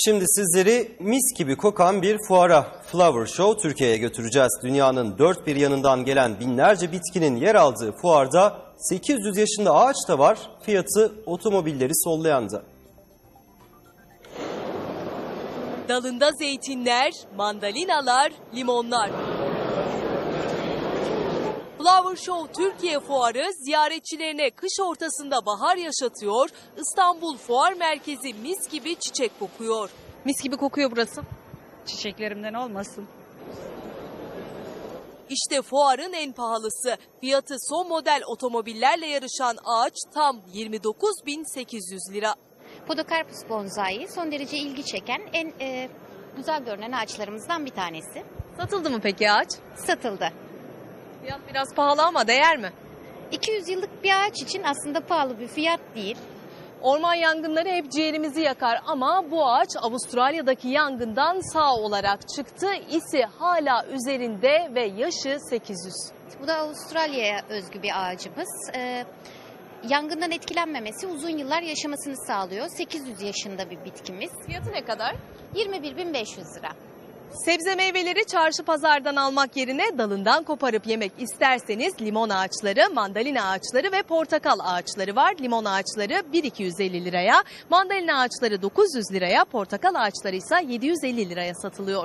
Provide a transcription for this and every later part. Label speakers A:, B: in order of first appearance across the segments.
A: Şimdi sizleri mis gibi kokan bir fuara, Flower Show Türkiye'ye götüreceğiz. Dünyanın dört bir yanından gelen binlerce bitkinin yer aldığı fuarda 800 yaşında ağaç da var, fiyatı otomobilleri sollayan da.
B: Dalında zeytinler, mandalinalar, limonlar. Flower Show Türkiye Fuarı ziyaretçilerine kış ortasında bahar yaşatıyor, İstanbul Fuar Merkezi mis gibi çiçek kokuyor. Mis gibi kokuyor burası.
C: Çiçeklerimden olmasın.
B: İşte fuarın en pahalısı. Fiyatı son model otomobillerle yarışan ağaç tam 29.800 lira.
D: Podocarpus bonsai son derece ilgi çeken en güzel görünen ağaçlarımızdan bir tanesi.
B: Satıldı mı peki ağaç?
D: Satıldı.
B: Fiyat biraz pahalı ama değer mi?
D: 200 yıllık bir ağaç için aslında pahalı bir fiyat değil.
B: Orman yangınları hep ciğerimizi yakar ama bu ağaç Avustralya'daki yangından sağ olarak çıktı. İsi hala üzerinde ve yaşı 800.
D: Bu da Avustralya'ya özgü bir ağacımız. Yangından etkilenmemesi, uzun yıllar yaşamasını sağlıyor. 800 yaşında bir bitkimiz.
B: Fiyatı ne kadar?
D: 21.500 lira.
B: Sebze meyveleri çarşı pazardan almak yerine dalından koparıp yemek isterseniz limon ağaçları, mandalina ağaçları ve portakal ağaçları var. Limon ağaçları 1.250 liraya, mandalina ağaçları 900 liraya, portakal ağaçları ise 750 liraya satılıyor.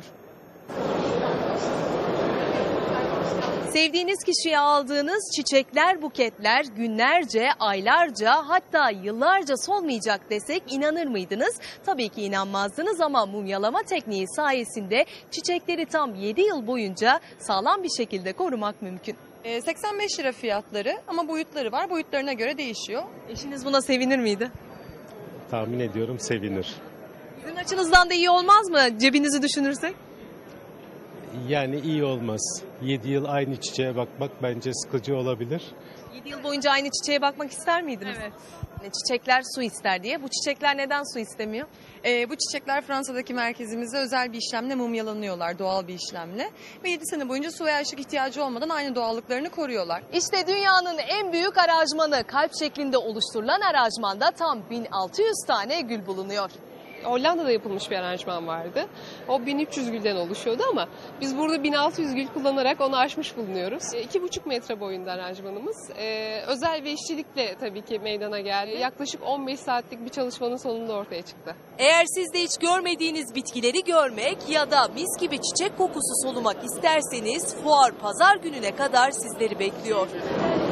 B: Sevdiğiniz kişiye aldığınız çiçekler, buketler günlerce, aylarca hatta yıllarca solmayacak desek inanır mıydınız? Tabii ki inanmazdınız ama mumyalama tekniği sayesinde çiçekleri tam 7 yıl boyunca sağlam bir şekilde korumak mümkün.
E: 85 lira fiyatları ama boyutları var. Boyutlarına göre değişiyor.
B: Eşiniz buna sevinir miydi?
F: Tahmin ediyorum sevinir.
B: Sizin açınızdan da iyi olmaz mı cebinizi düşünürsek?
F: Yani iyi olmaz. 7 yıl aynı çiçeğe bakmak bence sıkıcı olabilir.
B: 7 yıl boyunca aynı çiçeğe bakmak ister miydiniz?
E: Evet.
B: Çiçekler su ister diye. Bu çiçekler neden su istemiyor?
E: Bu çiçekler Fransa'daki merkezimizde özel bir işlemle mumyalanıyorlar, doğal bir işlemle. Ve 7 sene boyunca su ve ışık ihtiyacı olmadan aynı doğallıklarını koruyorlar.
B: İşte dünyanın en büyük aranjmanı, kalp şeklinde oluşturulan aranjmanda tam 1600 tane gül bulunuyor.
G: Hollanda'da yapılmış bir aranjman vardı. O 1300 gülden oluşuyordu ama biz burada 1600 gül kullanarak onu aşmış bulunuyoruz. 2,5 metre boyunda aranjmanımız. Özel ve işçilikle tabii ki meydana geldi. Yaklaşık 15 saatlik bir çalışmanın sonunda ortaya çıktı.
B: Eğer siz de hiç görmediğiniz bitkileri görmek ya da mis gibi çiçek kokusu solumak isterseniz fuar pazar gününe kadar sizleri bekliyor.